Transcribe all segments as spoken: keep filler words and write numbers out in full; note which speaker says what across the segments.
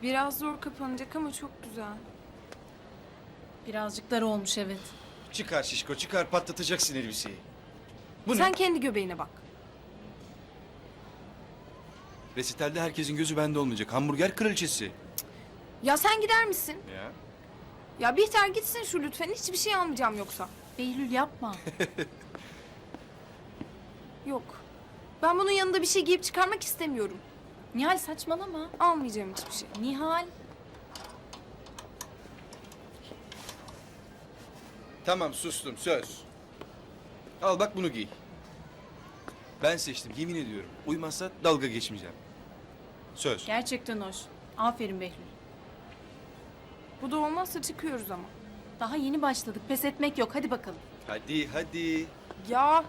Speaker 1: Biraz zor kapanacak ama çok güzel.
Speaker 2: Birazcık dar olmuş evet.
Speaker 3: Çıkar şişko çıkar, patlatacaksın elbiseyi. Bu
Speaker 1: Sen
Speaker 3: ne?
Speaker 1: kendi göbeğine bak.
Speaker 3: Resitalde herkesin gözü bende olmayacak. Hamburger kraliçesi.
Speaker 1: Ya sen gider misin?
Speaker 3: Ya.
Speaker 1: Ya Bihter gitsin şu lütfen. Hiçbir şey almayacağım yoksa.
Speaker 2: Behlül yapma.
Speaker 1: Yok. Ben bunun yanında bir şey giyip çıkarmak istemiyorum.
Speaker 2: Nihal saçmalama.
Speaker 1: Almayacağım hiçbir şey.
Speaker 2: Nihal.
Speaker 3: Tamam sustum, söz. Al bak bunu giy. Ben seçtim, yemin ediyorum. Uymazsa dalga geçmeyeceğim. Söz.
Speaker 2: Gerçekten hoş. Aferin Behlül.
Speaker 1: Bu da olmazsa çıkıyoruz ama.
Speaker 2: Daha yeni başladık. Pes etmek yok. Hadi bakalım.
Speaker 3: Hadi hadi.
Speaker 1: Ya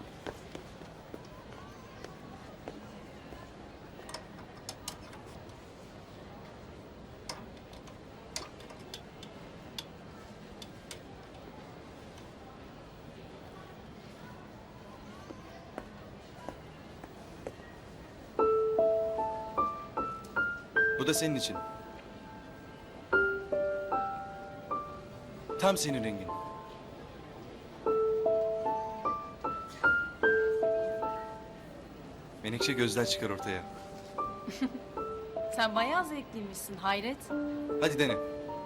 Speaker 3: Bu da senin için. Tam senin rengin. Menekşe gözler çıkar ortaya.
Speaker 2: Sen bayağı zevkliymişsin. Hayret.
Speaker 3: Hadi dene.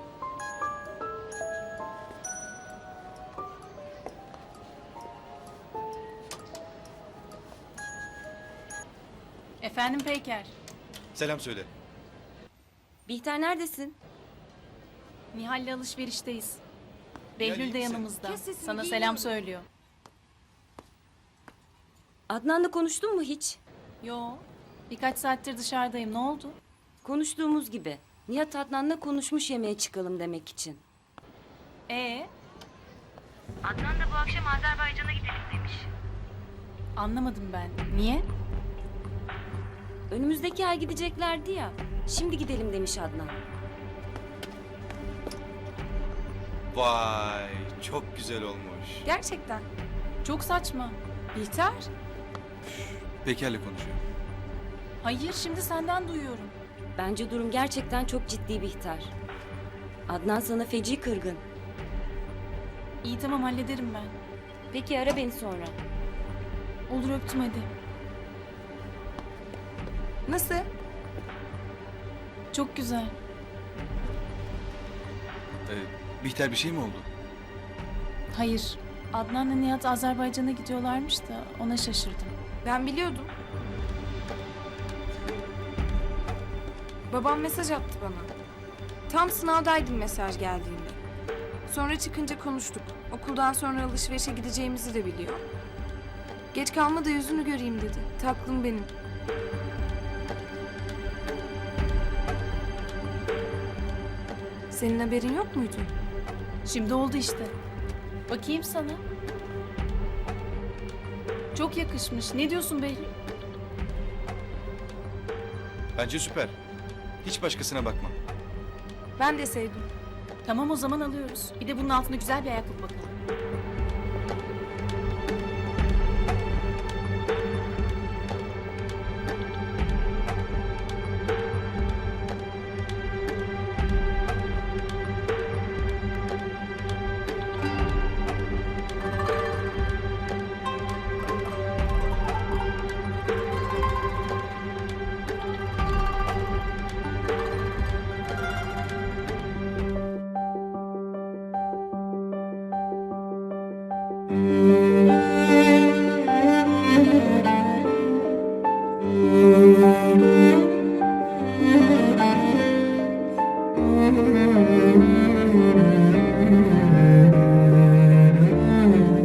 Speaker 2: Efendim Peyker.
Speaker 3: Selam söyle.
Speaker 4: Bihter neredesin?
Speaker 2: Nihal'le alışverişteyiz.
Speaker 3: Nihal,
Speaker 2: Behlül
Speaker 3: iyi
Speaker 2: de
Speaker 3: misin?
Speaker 2: yanımızda.
Speaker 1: Kes sesini,
Speaker 2: Sana
Speaker 1: giyiniyorum.
Speaker 2: selam söylüyor.
Speaker 4: Adnan'la konuştun mu hiç?
Speaker 2: Yo. Birkaç saattir dışarıdayım. Ne oldu?
Speaker 4: Konuştuğumuz gibi. Nihat Adnan'la konuşmuş yemeğe çıkalım demek için.
Speaker 2: Ee,
Speaker 5: Adnan da bu akşam Azerbaycan'a gidelim demiş.
Speaker 2: anlamadım ben. Niye?
Speaker 4: Önümüzdeki ay gideceklerdi ya. Şimdi gidelim demiş Adnan.
Speaker 3: Vay, çok güzel olmuş.
Speaker 1: gerçekten.
Speaker 2: Çok saçma.
Speaker 1: Bihter.
Speaker 3: Peker'le konuşuyor.
Speaker 2: Hayır, şimdi senden duyuyorum.
Speaker 4: Bence durum gerçekten çok ciddi Bihter. Adnan sana feci kırgın.
Speaker 2: İyi tamam hallederim ben.
Speaker 4: Peki ara beni sonra.
Speaker 2: Olur öptüm hadi.
Speaker 1: Nasıl?
Speaker 2: Çok güzel.
Speaker 3: Ee, Bihter bir şey mi oldu?
Speaker 2: Hayır. Adnan'la Nihat Azerbaycan'a gidiyorlarmış da ona şaşırdım.
Speaker 1: Ben biliyordum. Babam mesaj attı bana. Tam sınavdaydım mesaj geldiğinde. Sonra çıkınca konuştuk. Okuldan sonra alışverişe gideceğimizi de biliyor. Geç kalma da yüzünü göreyim dedi. Taklım benim. Senin haberin yok muydu?
Speaker 2: Şimdi oldu işte. Bakayım sana. Çok yakışmış. Ne diyorsun Behlül?
Speaker 3: Bence süper. Hiç başkasına bakma.
Speaker 1: Ben de sevdim.
Speaker 2: Tamam o zaman alıyoruz. Bir de bunun altına güzel bir ayakkabı bakalım.
Speaker 6: Thank you.